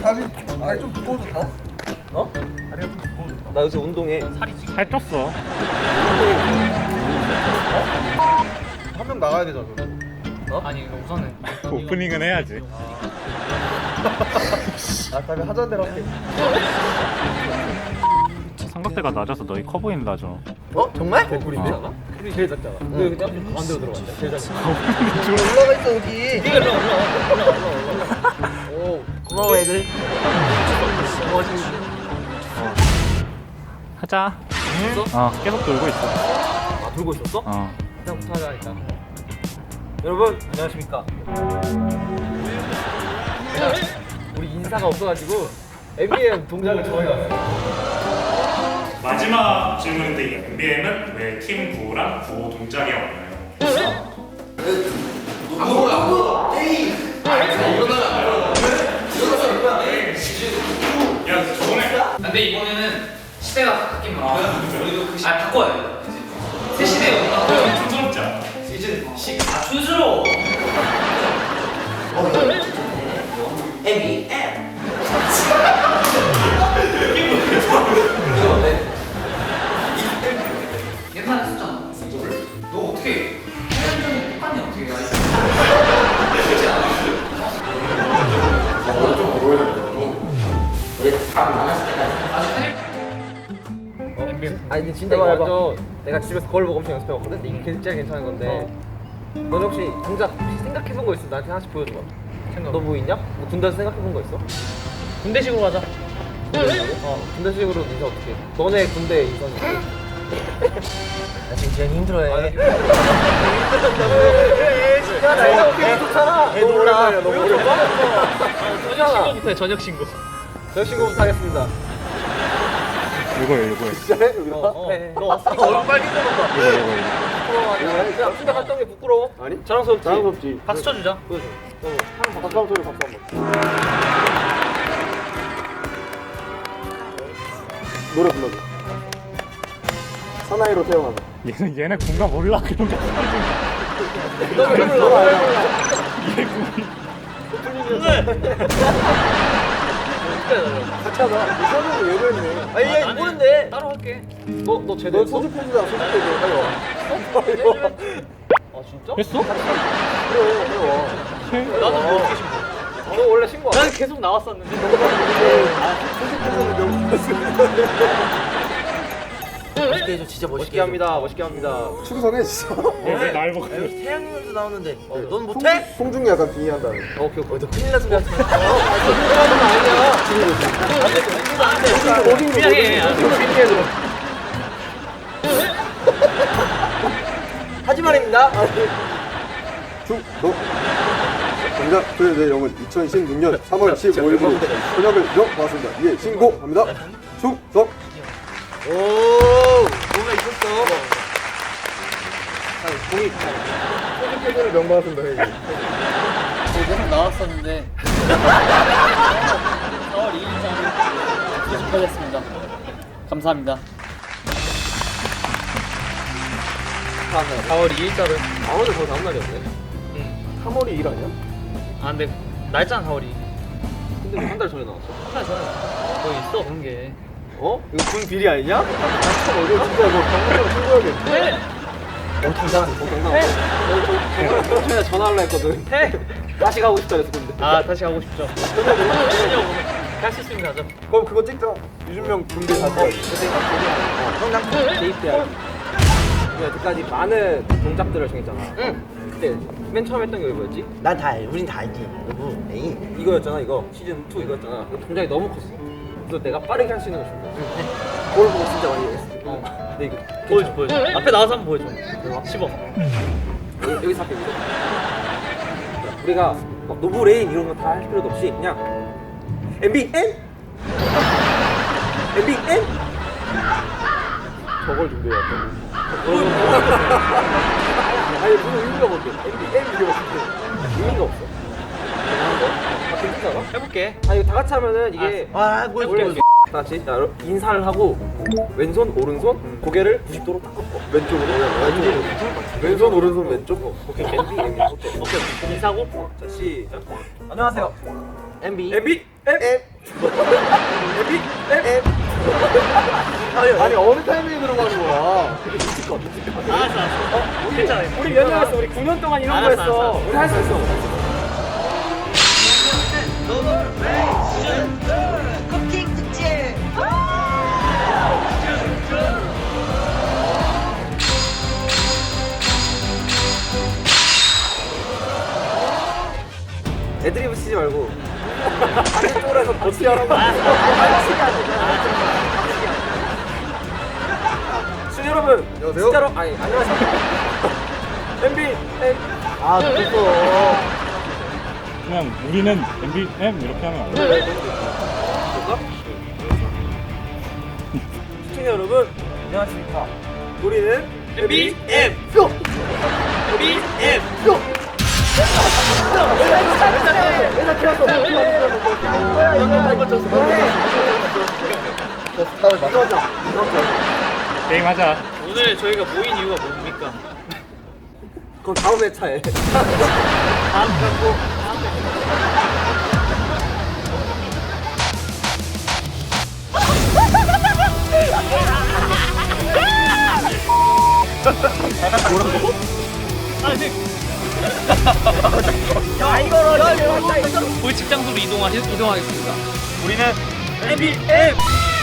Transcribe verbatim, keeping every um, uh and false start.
다리 다리 좀 두꺼워졌다. 어? 다리가 좀 두꺼워졌다. 나 요새 운동해. 살 쪘어. 한 명 나가야 되잖아. 어? 아니 이거 우선은 오프닝은 해야지. 아, 다음에 하자는 대로 할게. 삼각대가 낮아서 너희 커 보인다 죠. 어? 정말? 개꿀인데? 어. 우리 제일 작잖아. 왜 근데 앞에 가운데로 들어갔냐? 제일 작잖아. 올라가 있어 여기. 네가 올라 올라 올라 올라 올라. 오 고마워 애들. 하자. 있어? 어, 계속 돌고 있어. 아 돌고 있었어? 어. 그냥부터 하자니까. 여러분 안녕하십니까? 제가 우리 인사가 없어가지고 엠비엠 동작을 정해왔어요. 마지막 질문인데 엠비엠은 왜 팀 구호랑 구호 동작에 왔나요? 야 저번에 근데 이번에는 시대가 바뀐 만큼 우리도 그 시... 아 바꿔야 돼 새 시대가 바꿔요 촌스럽지 않아? 이제 시... 아 촌스러워 엠비엠. 옛날에 썼잖아 이거를 너 어떻게 팔 년 전에 똑같냐 어떻게 알지? 그렇지 않아? 아니 근데 진짜 이거 완전 내가 집에서 거울 보고 엄청 연습해봤거든? 근데 이게 진짜 괜찮은 건데 너는 혹시 동작 혹시 생각해본 거 있어? 나한테 하나씩 보여줘봐. 너 뭐 있냐? 뭐 군대에서 생각해본 거 있어? 군대식으로 가자 어 군대식으로 인사 어떻게 해? 너네 군대 인사는 어떻게 해? 나 지금 지현이 힘들어해. 아, 힘들었다고? 야, 나 인사 어떻게 좋잖아. 너 몰라. 너 몰라. 저녁 신고부터 해 저녁 신고 저 신고부터 하겠습니다. 이거요, 이거요. 진짜 해 여기다. 어, 어. 너 왔으니까 얼굴 빨개져봐. 이거, 이거, 이거. 부끄러워 아니야? 야, 군대 갔다 온 게 부끄러워? 아니? 자랑스럽지? 자랑스럽지. 박수 쳐주자 보여줘. 너 하는 거 박수 한번 쳐줘. 박수 한번. 노래 불러줘. 사나이로 태어나자. 얘는 얘네 공감 몰라 그런 거. 너왜 불러? 같이 하자. 이 사람은 왜 그랬네. 아니 얘 모르는데. 따로 할게 너 너 제대로 너 했어? 소주 펴주자. 소주 펴줘. 빨리 와. 빨리 와. 아 진짜? 했어? 그래 빨리 와. 나도 뭐 어떻게 신고 너 원래 신고 안 해? 난 계속 나왔었는데 멋있게 해줘 진짜 멋있게 합니다 멋있게 합니다. 충성해 진짜. 왜날 보고? 태양님도 나오는데 어, 넌 송- 못해? 송중이 약간 빙의한다. 오케이 오케이 너 큰일 날 소리 하지 마. 어? 그런 거 아니야. 안돼 그냥 해 하지 말입니다. 중, 너. 정답 조여의 영은 이천십육 년 삼월 십오일부로 현역을 인정받았습니다. 예, 신고합니다. 충성. 오 뭔가 있었어. 자 공익. 소주패드를 명받았습니다. 형님. 계속 나왔었는데 사월 이일자를 소집하겠습니다 감사합니다 사월 이일자를 아무도 더 다음 날이었네. 삼월이 일 아니야? 아 근데 날짜는 사월 이일 근데 한 달 전에 나왔어. 한달 전에 거 있어 그런 게 어? 이거 군 비리 아니냐? 참 어려워. 진짜 이거 방송으로 신고해야겠네. 어 당당하네. 어 당당하네. 저 전에 전화하려 했거든. 해! 다시 가고 싶다 그랬어 근데. 아 다시 가고 싶죠 하시려고 할수 있으면 하자 그럼 그거 찍자. 유준명 군대 가서. 성장 대입돼야지. 우리가 여태까지 많은 동작들을 정했잖아. 응. 그때 맨 처음 했던 게 뭐였지? 난 다 알, 우린 다 알지. 여보, 에이. 이거였잖아 이거. 시즌 투 이거였잖아. 그 동작이 너무 컸어. 그래서 내가 빠르게 할 수 있는 거 준비했어. 그걸 보고 진짜 많이 했어. 어. 근데 이거 보여줘 보여줘 앞에 나와서 한번 보여줘 씹어 여기, 여기서 할게 여기서. 우리가 막 노브레인 이런 거 다 할 필요도 없이 그냥 엠비엔 엠비엔 저걸 준비해왔다. 아니 무슨 의미가 뭔데? 엠비엔 이게 어떻게 의미가 없어. 아 괜찮아? 해볼게 아 이거 다 같이 하면은 이게 아, 뭘 원래 보여줘. 다 같이 자, 여러분, 인사를 하고 왼손 오른손 고개를 구십 도로 딱 꺾어. 왼쪽으로. 왼쪽으로. 왼손 오른손 왼쪽. 오케이 엠비 엠비 오케이 오케이 인사하고 자 시작. 안녕하세요. 엠비 엠비 엠 아니, 아니 어느 타이밍에 들어가는 거야? 알았어 알았어. 어? 괜찮아. 우리 몇 년 했어? 우리 구 년 동안 이런 거 했어. 우리 할 수 있어. 쿠킹 특집. 애드리브 치지 말고. 쪽으로 해서 어떻게 하라고? 시청자 여러분, 안녕하세요. 진짜로 아니 안녕하세요. 엠비 엠. 아, 됐어. 그냥 우리는 엠비엠 이렇게 하면 안 돼. 볼까? 시청자 여러분, 안녕하십니까? 우리는 엠비 엠. 고! 엠비 엠. 고! 게임 하자. 오늘 저희가 모인 이유가 뭡니까? 그럼 다음 회차에. 다음 갖고 다음 야 이거를 볼 직장소로 이동하 이동하겠습니다. 우리는 엠비 엠.